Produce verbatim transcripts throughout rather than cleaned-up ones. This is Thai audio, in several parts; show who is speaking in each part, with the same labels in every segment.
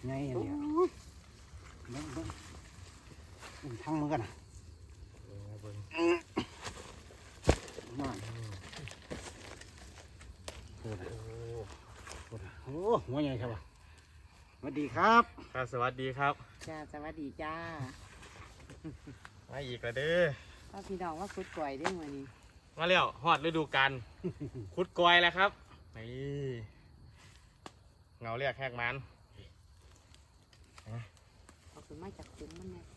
Speaker 1: ไงอันเดียวเบิ้งเบิ้งเบิ้งทั้งมือกันนะมาโอ้โหโอ้หัวใหญ่ครับสวัสดีครับ
Speaker 2: ครับสวัสดีครับ
Speaker 3: จ้าสวัสดีจ้า
Speaker 2: มาอีกแล้วเด้อ
Speaker 3: พ่อพี่น้องว่าคุดก่อยได้ไหมนี่
Speaker 2: มาแล้วฮอดฤดูกาลคุดกอยแล้วครับนี่เงาเรียกแหกมัน
Speaker 3: เอาขึ้นมาจากคุ้มมันเนี่ย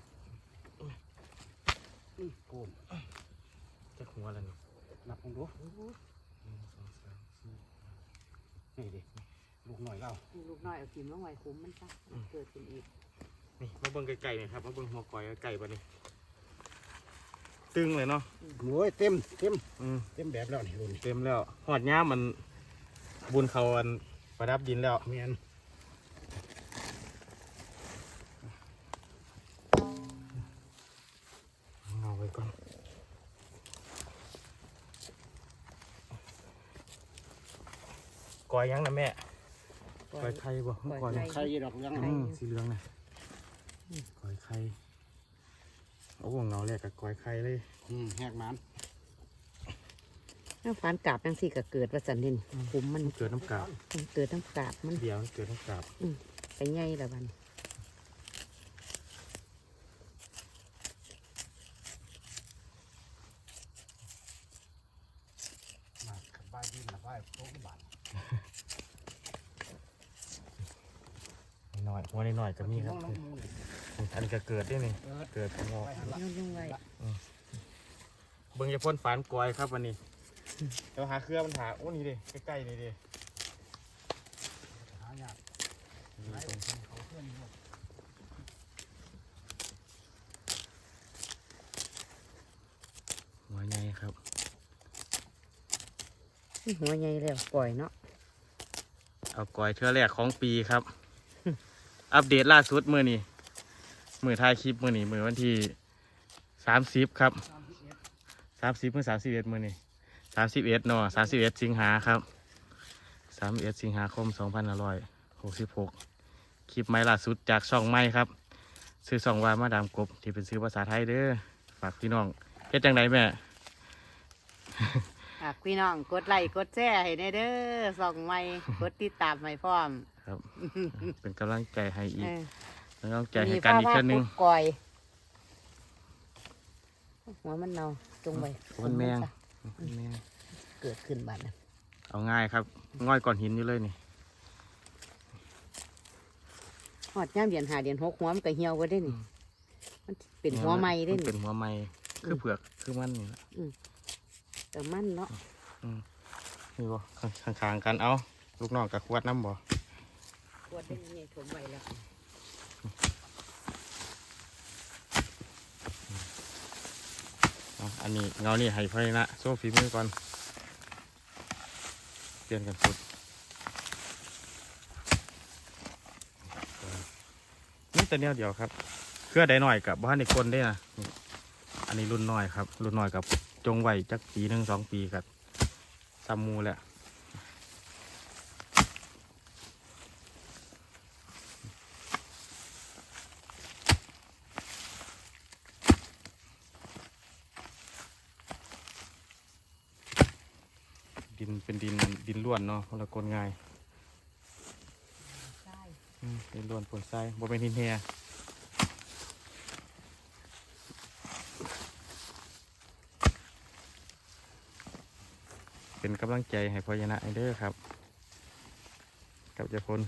Speaker 1: นี่โกน
Speaker 2: จะหัวแล้วนี่
Speaker 1: นับผมดูนี่ดิลูกหน่อยเล่า
Speaker 3: ลูกน้อยเอากินลงไว้คุ้มมันจ้ะเกิดขึ้นอีก
Speaker 2: นี่มาเบิ่งไก่ๆหน่อยครับมาเบิ่งหัวกอยไก่ปะนี่ตึงเลยเนาะ
Speaker 1: โอ้ยเต็มเต็มเต็มแบบแล้วนี่รุ่น
Speaker 2: เต็มแล้วหอดย่ามันบุญเขาอันประดับดินแล้ว
Speaker 1: เมียน
Speaker 2: เอาไว้ก่อนกอยยังนะแม่กอยไข่บ่กอย
Speaker 1: ไข่ดอกยัง
Speaker 2: สีเหลืองนะกอยไข่โอ้โหเงาแรกกับกอยไข่เลย
Speaker 1: แหกมัน
Speaker 3: น้ำฟานกาบยังสี่ก็เกิดว่าสันนินคุ้มมัน
Speaker 2: เกิดน้ำกาบ
Speaker 3: เกิดน้ำกาบมัน
Speaker 2: เดี๋ยวเกิดน้ำกาบ
Speaker 3: ไปไงละบัน
Speaker 1: มาขับบ้านดินละบ้านโต๊ะบ้าน
Speaker 2: หน่อยวันนี้หน่อยก็มีครับอันนี้ก็เกิดได้นี่เกิดงอก
Speaker 3: ยุ่งไว้
Speaker 2: เบิ่งจะพ่นฝานกอยครับวันนี้เดี๋ยวหาเครือมันหาโอ้นี่ดิใกล้ๆนี่ดิ
Speaker 1: หายาก
Speaker 2: หัวใหญ่ครับ
Speaker 3: หัวใหญ่แล้วก่อยเนาะ
Speaker 2: เอากอยเทื่อแรกของปีครับอัปเดตล่าสุดมือนี้มือถ่ายคลิปมือนี้มือวันที่สามสิบครับสามสิบเมื่อสามสิบเอ็ดมือนี้สามสิบเอ็ดเนาะสามสิบเอ็ดสิงหาครับสามเอ็ดสิงหาคมสองพันห้าร้อยหกสิบหกคลิปใหม่ล่าสุดจากช่องใหม่ครับซื้อช่องว่ามาดามกบที่เป็นซื้อภาษาไทยเด้อฝากพี่น้องเฮ็ดจังไดแม่
Speaker 3: ฝากพี่น้องกดไลค์กดแชร์ให้เด้อส่องใหม่กดติดตามให้พร้อม
Speaker 2: ครับเป็นกำลังใจให้อีกเป็นกำลังใจให้กันอีกเช่นนึง
Speaker 3: ก่อยหัวมันเนาจงไว้
Speaker 2: มันแมง
Speaker 3: เกิดขึ้นบัดนะ
Speaker 2: เอาง่ายครับง่อยก่อนหินอยู่เลยนี่
Speaker 3: หอดย่ามเดียนหาเดียนหกหัวมันก็เหี่ยวก็ได้นี่มันเป็นหัวไม้ได้นี่
Speaker 2: เป็นหัวไม้คือเผือกคือมันนี่
Speaker 3: แต่มันเนาะ
Speaker 2: นี่บ่ข้างๆกันเอาลูกน้องกับขวดน้ำบ่
Speaker 3: ขวดได้ยังไงถมไว้แล้ว
Speaker 2: อันนี้เงานี่ให้ไฟนะโซ่ฝีมือก่อนเปลี่ยนกันสุดนี่แต่เนี้ยเดียวครับเครือได้หน่อยกับบ้านในคนได้นะอันนี้รุ่นน้อยครับรุ่นน้อยกับจงไหวจักปีหนึ่งสองปีกับซัมมูแหละดินเป็นดินดินล้วนเนาะคนละคนง่ายดินล้วนปนทรายบ่เป็นหินแห่เป็นกำลังใจให้พญานาคเด้อครับกับเจ้าพล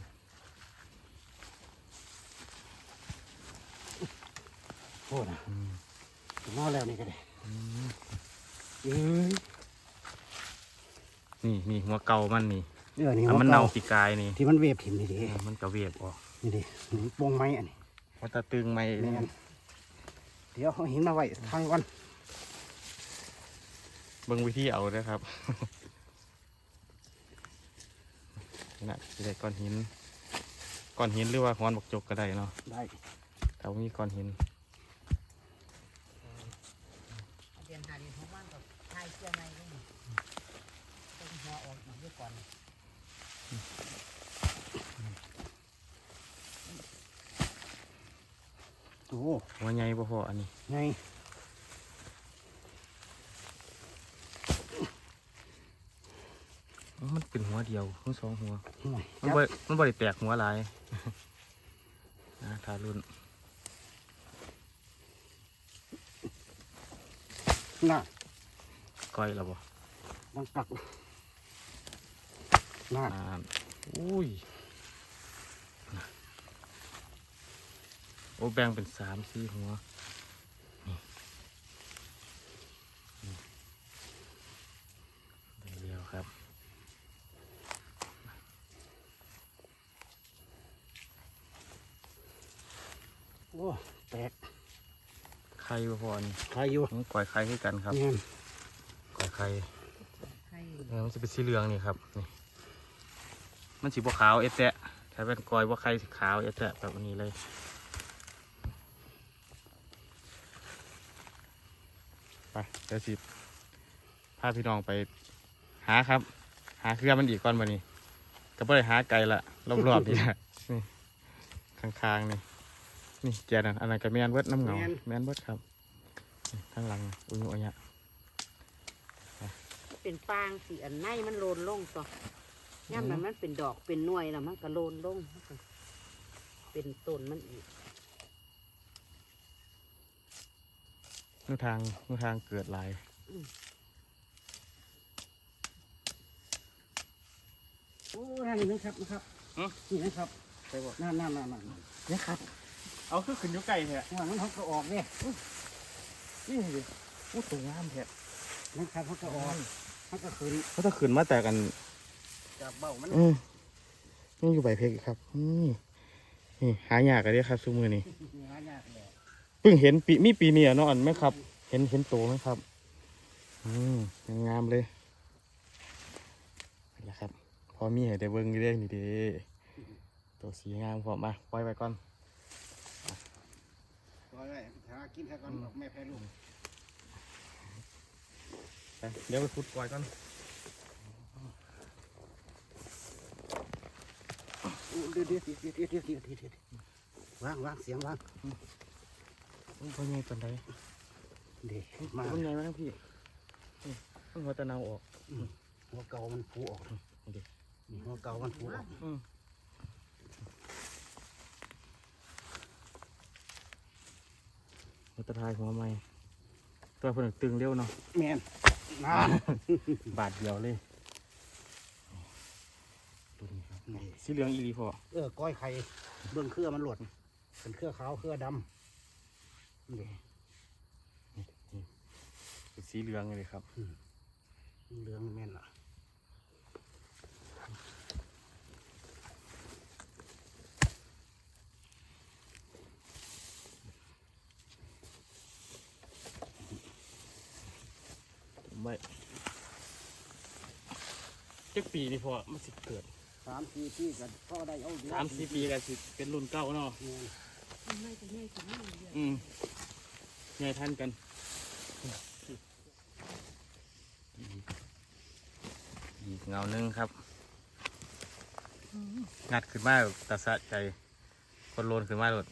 Speaker 1: โอ้นะนอนแล้วนี่ก็ได้
Speaker 2: นี่นี่หัวเก่ามันนี่
Speaker 1: เดี๋ยวนี้
Speaker 2: มันเน่าปีกายนี่
Speaker 1: ที่มันเวียบถิ่มนี่ดิ
Speaker 2: มันก็เวียบออก
Speaker 1: นี่ดิปงไม้อันนี้
Speaker 2: มันตะตึงไม้
Speaker 1: เดี๋ยวเอาหินมาไว้ทางก่อน
Speaker 2: เบิ่งวิธีเอาเด้อครับนี่นะจะได้ก้อนหินก้อนหินหรือว่าค้อนบกจกก็ได้เนาะ
Speaker 1: ได้
Speaker 2: ถ้ามีก้อนหิน
Speaker 3: เรียนหาเรียนของบ้านกับไทยเชื่อไงก็มีต้องหัวออกอีกด้วยก่อน
Speaker 1: อ้
Speaker 2: หัวใหญ่บ่พออันนี้
Speaker 1: ไง
Speaker 2: มันเป็นหัวเดียวทั้งสองหัว
Speaker 1: ห่วย
Speaker 2: มันบ่มันบ่ได้แตกหัวหลาย นะทารุ่น
Speaker 1: น่ะ
Speaker 2: ก้อยแล้วบ่
Speaker 1: ดังปักน่ะ
Speaker 2: อ่าอุ้ยโอ้แบ่งเป็นสามสี่หัวนี่นี่ได้เดียวครับ
Speaker 1: โอ้แตก
Speaker 2: ไข่บ่พอนี่
Speaker 1: ใครอยู่
Speaker 2: มันก้อยไข่คือกันครับ
Speaker 1: เงี้ย
Speaker 2: ก้อยไข่
Speaker 3: ไข่
Speaker 2: เออมันจะเป็นสีเหลืองนี่ครับนี่มันสีบัวขาวเอแตะถ้าเป็นก้อยบัวไข่สีขาวเอแตะแบบนี้เลยไปเดี๋ยวสิพาพี่น้องไปหาครับ หาเครือมันอีกก่อนวันนี้ก็ไม่ได้หาไกลละรอบๆนี่แหละนี่ข้างๆนี่นี่แกนั่นอันนั้นก็แมนเวิร์ดน้ำเหงาแมนเวิร์ดครับนี่ข้างหลังอุ้ยอุ้ยเนี่ย
Speaker 3: เป็นฟางสีอันในมันโลนลงต่อย่ำนั้นมันเป็นดอกเป็นหน่วยแล้วมันก็โลนลงมันก็เป็นต้นมันอีก
Speaker 2: นู่นทางนู่นทางเกิดหลาย
Speaker 1: โอ้นั่นนี่นะครับนะครับนี่นะครับ
Speaker 2: ไปบ่
Speaker 1: นั่นนั่นนั่นนั่น
Speaker 2: นี่ครับ เอาคือขึ้นอยู่ไกลแท้
Speaker 1: ว่ามันเขาก็ออกเนี่ย
Speaker 2: นี่ดิอู้ตัวงามแท้
Speaker 1: นะครับเขาก็ออกเขาก็ขึ้น
Speaker 2: เขาจะขึ้นมาแต่กัน
Speaker 1: จับเบ้ามัน
Speaker 2: อืมนี่อยู่ใบเพกอีกครับนี่นี่หายากเลยครับซูมือนี่
Speaker 1: หายากเลย
Speaker 2: เพิ่งเห็นปีมีปีนี้อ่ะเนาะอันไหมครับ เห็นเห็นโตไหมครับ อืมยังงามเลยนี่แหละครับ พอมีให้ได้เบิ้งนี่เด้นี่เด้ตัวสีงามพอมาปล่อยไปก่อน
Speaker 1: ตัวอะไรหากินแค่ก่อนบอกแม่แพ้ลูก
Speaker 2: ไปเดี๋ยวไปขุดปล่อยก่อน
Speaker 1: เดี๋ยวเดี๋ยวเดี๋ยวเดี๋ยวเดี๋ยวเดี๋ยวเดี๋ยวเดี๋ยววางวางเสียงวาง
Speaker 2: มันเป็นไงตอนใด
Speaker 1: เดี๋ยวมา
Speaker 2: มันไงวะพี่นี่มันหัวตะเนาออก
Speaker 1: หัวเก่ามันฟูออก
Speaker 2: นี่ดิ
Speaker 1: นี่หัวเก่ามันฟูออก
Speaker 2: อืมหัวตะทายหัวใหม่ตัวเพิ่นตึงเร็วเนาะ
Speaker 1: แม่นน้
Speaker 2: บาทเดียวเลยตัวนี้ครับ
Speaker 1: ำนี่
Speaker 2: สีเหลืองอีรีพอ
Speaker 1: เออก้อยไข่เบื้องเครือมันหลดเป็นเครือขาวเครือดำนี่
Speaker 2: เป็นสีเหลืองเลยครับ
Speaker 1: เหลืองแม่นล่ะ
Speaker 2: ไม่เจ็ดปีนี่พอมันสิเกิด
Speaker 1: สามสี่ปีกันก็ได้เอา
Speaker 2: สามสี่ปีกันสิเป็นรุ่นเก่าเนาะ
Speaker 1: แม่น
Speaker 3: ไม่จะไม่จะไม่เยอะ
Speaker 2: อืมไงท่านกันอีกเงาหนึงครับงัดขึ้นมาตาสะใจคนโลนขึ้นมาโดด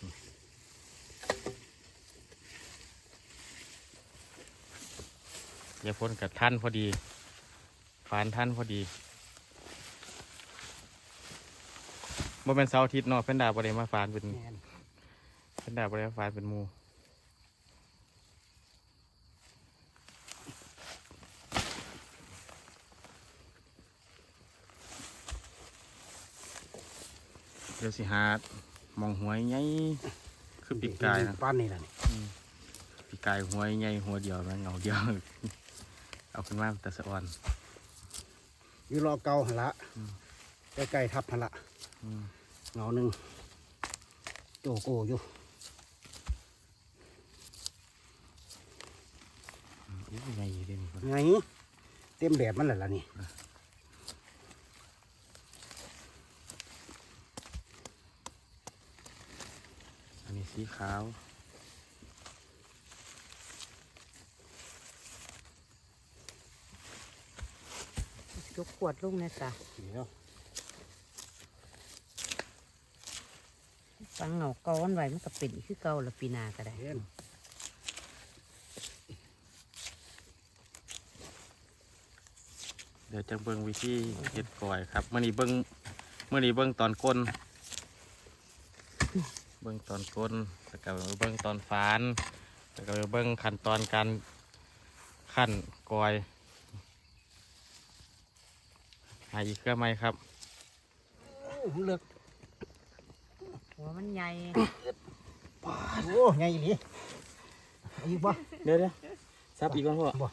Speaker 2: เดี๋ยวพ้นกับท่านพอดีฟานท่านพอดีบ่เป็นเสาร์อาทิตย์เนาะเพิ่นดาบ่ได้มาฟานเป็น
Speaker 1: แม่น
Speaker 2: เพิ่นดาบ่ได้มาฟานเป็นหมู่เดี๋ยวสิหามองหัวใหญ่คือปีกกายนะ
Speaker 1: ปั้นนี่แหละนี่
Speaker 2: ปีกกายหัวใหญ่หัวเดียวนะเงาเดียว เอาขึ้นมาแต่สะอ่อน
Speaker 1: อยู่รอเก่าหันละใกล้ๆทับหันละ
Speaker 2: อืม
Speaker 1: เงาหนึ่งโตโกอยู่
Speaker 2: อู้ใหญ่เลยนี่
Speaker 1: ไงเต็มแบบมันแหละล่ะนี่
Speaker 2: อันนี้สีขาว
Speaker 3: ยกขวดลงนะจ๊ะ
Speaker 1: เดี๋ยว
Speaker 3: ฟังเงาเก่าวันไหวมันก็เป็นคือเก่าละปีหนาก็ได้
Speaker 1: เห็น
Speaker 2: เดี๋ยวจะเบิ่งวิธีเฮ็ดก่อยครับมื่อนี้เบิ่งมื่อนี้เบิ่งตอนก้นเบิ่งตอนก้นแล้วก็เบิ่งตอนฝานแล้วก็เบิ่งขั้นตอนการขั้นก่อยหาอีกเครื่องไหมครับ
Speaker 1: เลือก
Speaker 3: หัวมันใหญ่
Speaker 1: โอ้ใหญ่อีหลีอีกบ่
Speaker 2: เดี๋ยวเดี๋ยวซับอีกก่อนพ่อ
Speaker 1: บ่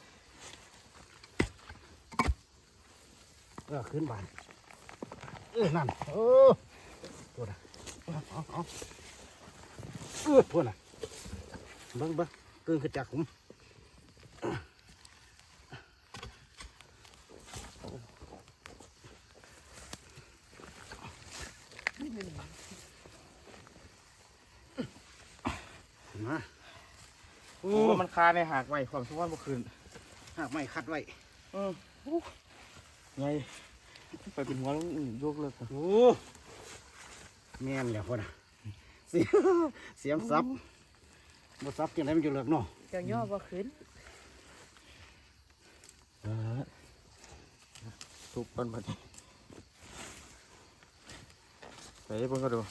Speaker 1: เออขึ้นบานเออนั่นเออพูดนะเอาเอาเออพูดนะเบิ้งเบิ้งเกินขึ้นจากผมมา
Speaker 2: โอ้มันคาในหากไว้ความสุขวันเมื่อคืน
Speaker 1: หากไม่คัดไว้
Speaker 2: เออไงไปเป็นหัวแล้วยกเลิกครับ
Speaker 1: โอ้แม่นแล้วพ่อนะเสียเสียมซับบ่ซับจังไดมันอยู่เลิกเนาะ
Speaker 3: เจ้าย่อบ่ขึ้น
Speaker 2: ทุบกันมาดิไปเพิ่งก็ดู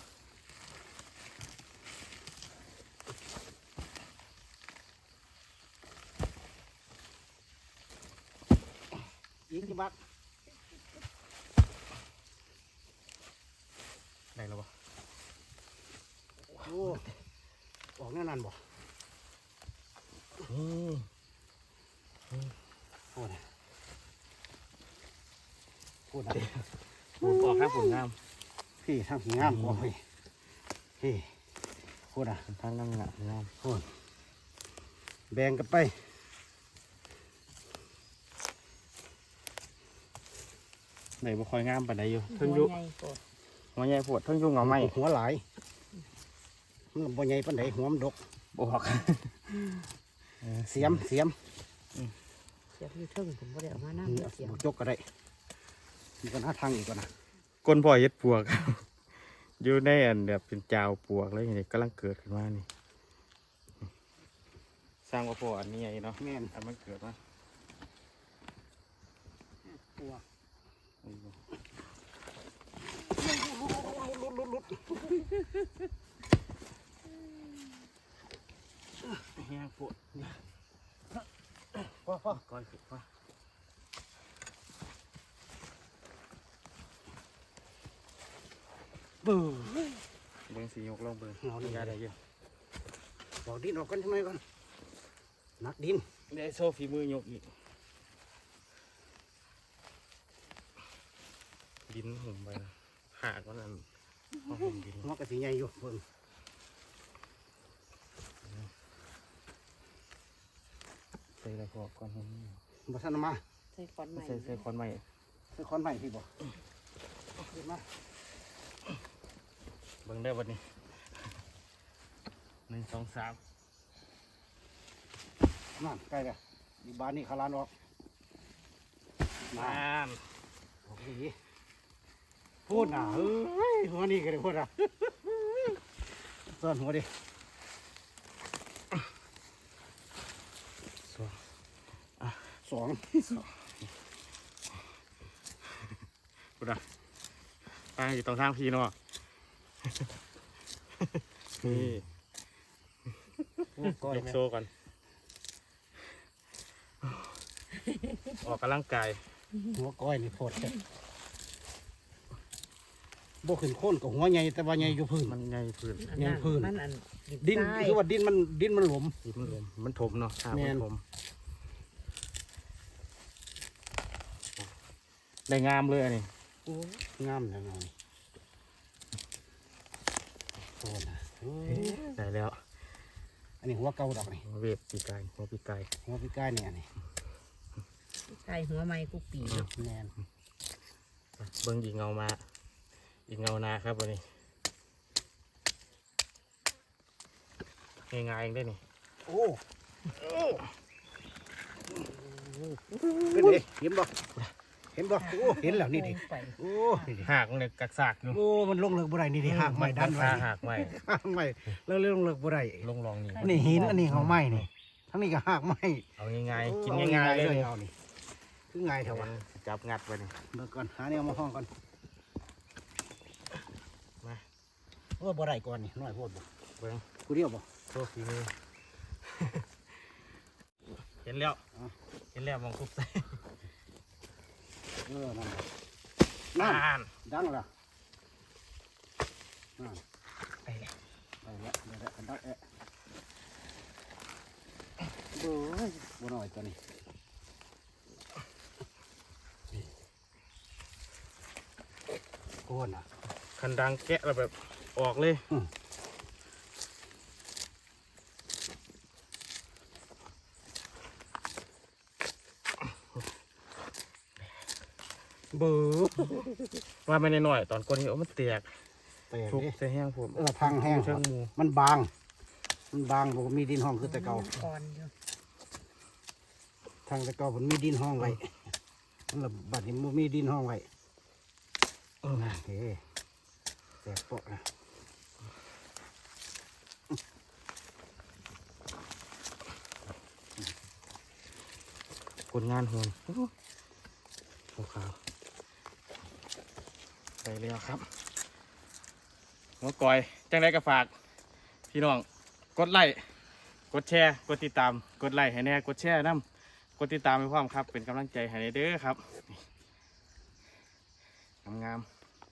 Speaker 1: อีกกี่บาท
Speaker 2: ได้แล้วปะ
Speaker 1: โอ้ออกแน่นอนบ่
Speaker 2: นี่
Speaker 1: โอ้ยพูดนะ
Speaker 2: ผมออกข้างผมงาม
Speaker 1: พี่ทางสีงามกว่าพี่พี่พูดนะ
Speaker 2: ทางนั่งงามงาม
Speaker 1: พูดแบ่งกันไป
Speaker 2: ไหนบ่คอยงามปานใดอยู่
Speaker 3: หั
Speaker 2: ทั้ง
Speaker 3: ว
Speaker 2: ยุ
Speaker 3: ใหญ่โกด
Speaker 2: หัวใหญ่ปวดทั้งยุงเหงาไหม
Speaker 1: หัวหลายมันบ่ใหญ่ปานใดหัวมันดก
Speaker 2: บออก
Speaker 1: เสียมเสียม
Speaker 3: เสียบอยู่เทิงผมบ่ได้เอามาน้ำเสียบ
Speaker 1: บุกจกก็ได้มีกันหาทางอีกก่อนนะ
Speaker 2: ก้นพ่อเฮ็ดปวก อยู่ในอันแบบเป็นจาวปวกเลยนี่กำลังเกิดขึ้นมานี่สร้างว่าพ่ออันนี้ไงเนาะ
Speaker 1: แม่น
Speaker 2: อันมันเกิดมา
Speaker 1: ตัว
Speaker 2: แห้งปวดนี่
Speaker 1: พ่อพ่อ
Speaker 2: ก้อยขึ้นมา
Speaker 1: บู๊
Speaker 2: เบิ่งสียกลองเบิ่ง
Speaker 1: เอานี่
Speaker 2: ยาได้เยอะ
Speaker 1: บอกดินออกกันทำไมก่อนนักดิน
Speaker 2: ได้โซ่ฝีมือยกอีกดินหุ่มไปนะหากว่านั่นเอาหุ่มดิน
Speaker 1: หัวกระสีใหญ่อยู่เบิ่ง
Speaker 2: ใส่อะไรพอก่อนหุ่ม
Speaker 1: บ่ทันเอามา
Speaker 3: ใส่ขอนใหม่
Speaker 2: ใส่ใส่คอนใหม่
Speaker 1: คือคอนใหม่พี่บอกเดี๋ยวมา
Speaker 2: เบิ่งได้วันนี้หนึ่งสองสาม
Speaker 1: นั่นใกล้แล้วอีบ้านนี่ขาลานออก
Speaker 2: น้
Speaker 1: โอ้โหพูดนะเฮ้ยหัวนี่ก็ได้พูดนะซ่อนหัวดิ
Speaker 2: ำสอง
Speaker 1: สอง
Speaker 2: กูด่ะไปอยู่ตรงทางพี่เนาะนี่
Speaker 1: ก้อย
Speaker 2: ยก
Speaker 1: แม่
Speaker 2: โซ่ก่อนออกกำลังกาย
Speaker 1: หัวก้อยนี่โพดแค่บ่ขึ้นโค่นกับหัวใหญ่แต่ว่าใหญ่อยู่พื้น
Speaker 2: มันไงพื้น
Speaker 3: อัน
Speaker 1: ยั
Speaker 3: นั้
Speaker 1: ง
Speaker 3: น
Speaker 1: พื้น
Speaker 3: มันอัน
Speaker 1: ดิน
Speaker 3: ทราย
Speaker 1: คือว่าดินมันดินมันหลวม
Speaker 2: ดินมันลมมันถมเนาะหา
Speaker 1: แม่
Speaker 2: มัน
Speaker 1: น
Speaker 2: ถมได้งามเลยอันนี้
Speaker 1: โอ้งามจังเลยโทษนะโอ้ย
Speaker 2: ได้แล้ว
Speaker 1: อันนี้หัวเก่าดอกนี่
Speaker 2: หัวเวฟปีกไก่หัวปีกไก่
Speaker 1: หัวพี่ก้ายเนี่ยอันนี่
Speaker 3: ใส่หัวไม้กูปีเนาะ
Speaker 1: แมน
Speaker 2: เบิ้งอีกเงามาอีกเงานาครับวันนี้ง่ายๆเองได้นี่
Speaker 1: โอ้เป็นไงเห็นบ่เห็นบ่โอ้เห็นแล้วนี่ดิ
Speaker 3: ไป
Speaker 1: โอ้นี่ดิ
Speaker 2: หากเลยกักซากอยู่
Speaker 1: โอ้มันลงเลิกบ่ได้นี่ดิหากไม้ดันไว้
Speaker 2: หากไม้
Speaker 1: หากไม้แล้วเรื่องลงเลิกบ่ได้
Speaker 2: ลงลองนี่
Speaker 1: อันนี้หินอันนี้เขาไม้นี่ทั้งนี้ก็หากไม้
Speaker 2: เอาง่ายๆกินง่ายๆเลย
Speaker 1: เอานี่คือง่ายเถอะวะ
Speaker 2: จับงัดไว้นี่
Speaker 1: เบิ่งก่อนหาแนวมาห้องก่อน
Speaker 2: มา
Speaker 1: ว่าบ่ได้ก่อนนี่น้อยโพดบ่
Speaker 2: เบิ่ง
Speaker 1: กูเดียวบ่
Speaker 2: โชคดีมือ เห็นแล้ว
Speaker 1: อ๋อ
Speaker 2: เห็นแล้วมองคุบใส่
Speaker 1: เออนั่นนั่น
Speaker 2: อ่าน
Speaker 1: ดังแล้วนั่น
Speaker 2: ไปแล้ว
Speaker 1: ไปแล้วเดี๋ยวได้กันดักแอะเบ้ยบ่น้อยตัวนี้โคนอ่ะ
Speaker 2: คันดังแกะแล้วแบบออกเลย
Speaker 1: อืม
Speaker 2: เบื่อว่าไม่ได้หน่อยตอนก้นนี้โอ้มันเตียก
Speaker 1: แตก
Speaker 2: ทุบ
Speaker 1: ดิ
Speaker 2: ใส่แห้งผม
Speaker 1: เออพังแห้ง
Speaker 2: เชิงหมู
Speaker 1: มันบาง มันบางผมมีดินห้องคือแต่เก่า
Speaker 3: ก่อนอยู่
Speaker 1: ทางแต่เก่าผมมีดินห้องไว้มันละบัดนี้มันมีดินห้องไว้เออเฮ้แตกเปาะนะ
Speaker 2: คนงานโหนโอ้ขาวไปแล้วครับหัวกอยจังไรก็ฝาก พี่น้องกดไลค์กดแชร์กดติดตามกดไลค์ให้แน่กดแชร์น้ำกดติดตามไปพร้อมครับเป็นกำลังใจให้แน่เด้อครับงาม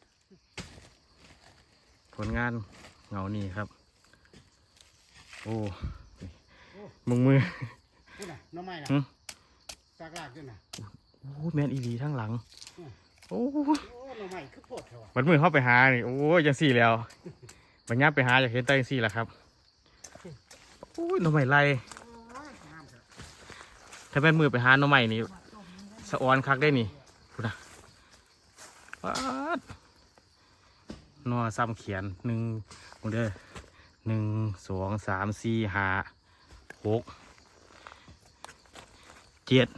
Speaker 2: ๆผลงานเหงานี่ครับโอ้มึงมือ
Speaker 1: พูดน่ะน้องไม้น่ะ
Speaker 2: หึ
Speaker 1: ซากลากด้วยน่ะ
Speaker 2: โอ้แมนอีดีทั้งหลัง
Speaker 1: อืม
Speaker 2: โอ้
Speaker 1: โอ้น้องไม้คือโพดเถอะวะ
Speaker 2: มันมือเข้าไปหานี่โอ้ยยังสี่แล้วบัญญัติไปหาอยากเห็นใต้ยังสี่แหละครับโอ้ยหน่อไม้ไรถ้าเป็นมือไปหาหน่อไม้นี่สะออนคักได้นี่พูดนะป๊าดหนอซ้ำเขียนหนึ่งมึงเด้อหนึ่งสองสามสี่ห้าหกเจ็ด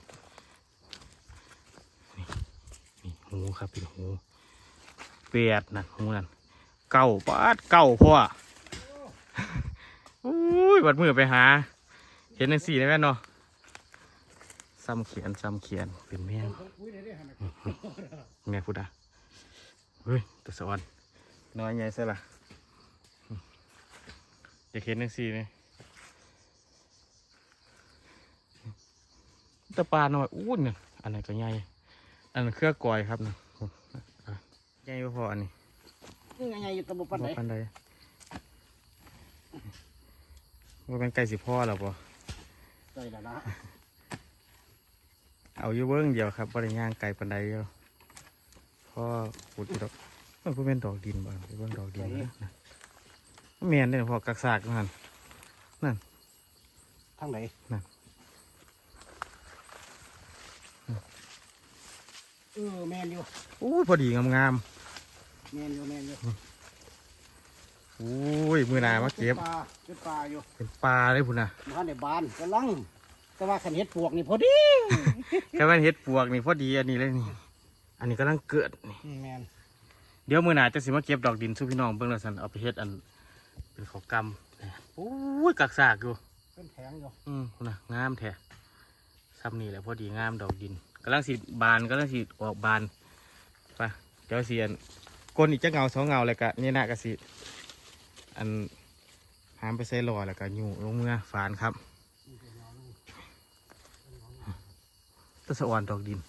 Speaker 2: นี่นี่หูครับเป็นหูแปดนั่นหูนั่นเก้าปาดเก้าพ่ออุ้ยบัดมือไปหา เห็นหนังสี่ได้ไหมเนาะซ้ำเขียนซ้ำเขียนเป็นแม่ง
Speaker 1: อุ้ยเดี๋ยวๆหั่นน่ะ
Speaker 2: แม่พูดอ่ะเฮ้ยตัวสะออนน้อยใหญ่ใช่ละอยากเห็นหนังสี่เลยตะปลาหน่อยอู้เนี่ยอันไหนก็ใหญ่อันนั้นเครือกอยครับนะใหญ่บ่พออันนี้
Speaker 1: นี่ไงอยู่ตะบปันไหน
Speaker 2: บ่ปันใดว่าเป็นไก่สิพ่อหรอปะ
Speaker 1: ใจแล้วนะ
Speaker 2: เอาอยู่เบิ้งเดียวครับบริย่างไก่ปันใดเดียวพ่อขุดอยู่ดอกมันพูเป็นดอกดินบ้างเบิ้งดอกดินนะนะแมนเนี่ยพอกักซากนั่น
Speaker 1: ทางไหน
Speaker 2: นั่น
Speaker 1: เออแมนอยู่
Speaker 2: อู้ยพอดีงาม
Speaker 1: แมนอยู่แมนอยู่
Speaker 2: ๆอู้ยมือหนามาเก็บ
Speaker 1: ปลาเป็นปลาอยู่
Speaker 2: เป็นปลาเลยพุ่นนะ
Speaker 1: บ้านในบ้านกำลังแต่ว่าขันเห็ดปวกนี่พอดี
Speaker 2: แค่ว่าเห็ดปวกนี่พอดีอันนี้เลยนี่ อันนี้กำลังเกิดนี่
Speaker 1: แมน
Speaker 2: เดี๋ยวมือหนาจะสิมาเก็บดอกดินสู้พี่น้องเบิ้งแล้วสันเอาไปเฮ็ดอันเป็นข้าวกำอู้ยกักซากอยู่
Speaker 1: เป็นแผงอยู่
Speaker 2: อืมพุ่นนะงามแท้ซ้ำนี่แหละพอดีงามดอกดินกำลังสีบานกำลังสีออกบานไปเดี๋ยวเสียนก้นอีกจะเงาสองเงาเลยกะนี่นะกะสิอันหามไปใส่หล่อแล้วก็อยู่ลงเมื่อฝานครับตะสะออนดอกดิน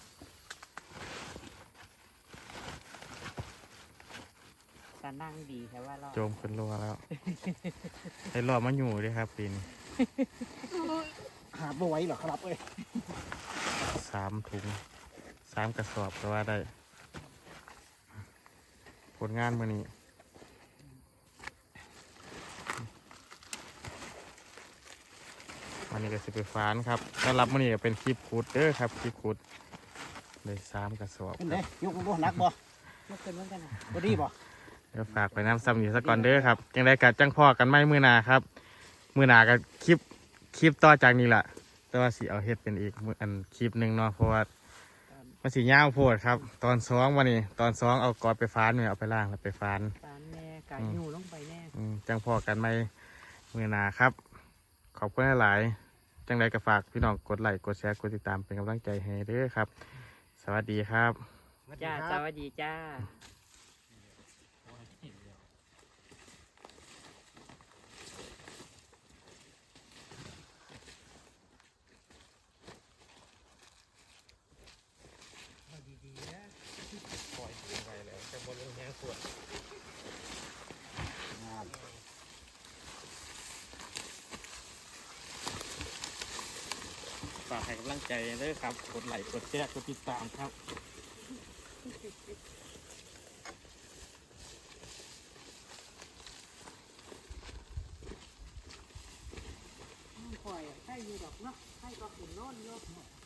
Speaker 3: ตานั่งดีแค่ว่าเรา
Speaker 2: โจมเป็นรัวแล้ว ให้รอมาอยู่ด้วยครับปีนี้
Speaker 1: หาบ่ไหวหรอครับเอ้ย
Speaker 2: สามถุงสามกระสอบก็ว่าได้ ผลงานมื่อนี้วันนี้ก็สิไปฟานครับถ้ารับมื่อนี้ก็เป็นคลิปขุดเด้อครับคลิปขุดเลยสามกระสอบ
Speaker 1: เป็น
Speaker 2: ค
Speaker 1: ไง
Speaker 2: รับ
Speaker 1: ยกบ่หนักบ่
Speaker 3: เมื่อคืนเหมือนกันนะ
Speaker 1: พอดีบ่
Speaker 2: เดี๋ยวฝากไปน้ำซ้ำอยู่สักก่อนเด้อครับจังได้กัดจังพ่อกันไม่มือหนาครับมือหนากับคลิปคลิปต่อจากนี้แหละแต่ว่าสิเอาเฮ็ดเป็นอีกมื้ออันคลิปหนึ่งเนาะเพราะว่ามันสียาวโพดครับ ตอนสองวันนี้ตอนสองเอากอดไปฟานเนี่ยเอาไปล่างแล้วไปฟาน
Speaker 3: ปานแน่กายอยู่ลงไปแน่
Speaker 2: อืมจังพอกันไหมมือหนาครับ ขอบคุณหลายๆจังไรก็ฝากพี่น้องกดไลค์กดแชร์กดติดตามเป็นกำลังใจให้เด้อครับ สวัสดีครับ
Speaker 3: จ้าสวัสดีจ้า
Speaker 2: ปล่อยไปแล้วจะบนลงแห้งขวด
Speaker 1: งาม
Speaker 2: ฝากให้กำลังใจเด้อครับ กดไลค์กดแชร์กดติดตามครับ
Speaker 3: ปล่อยใครอยู่ดอกเนาะใครก็ขึ้นโน่นเนาะ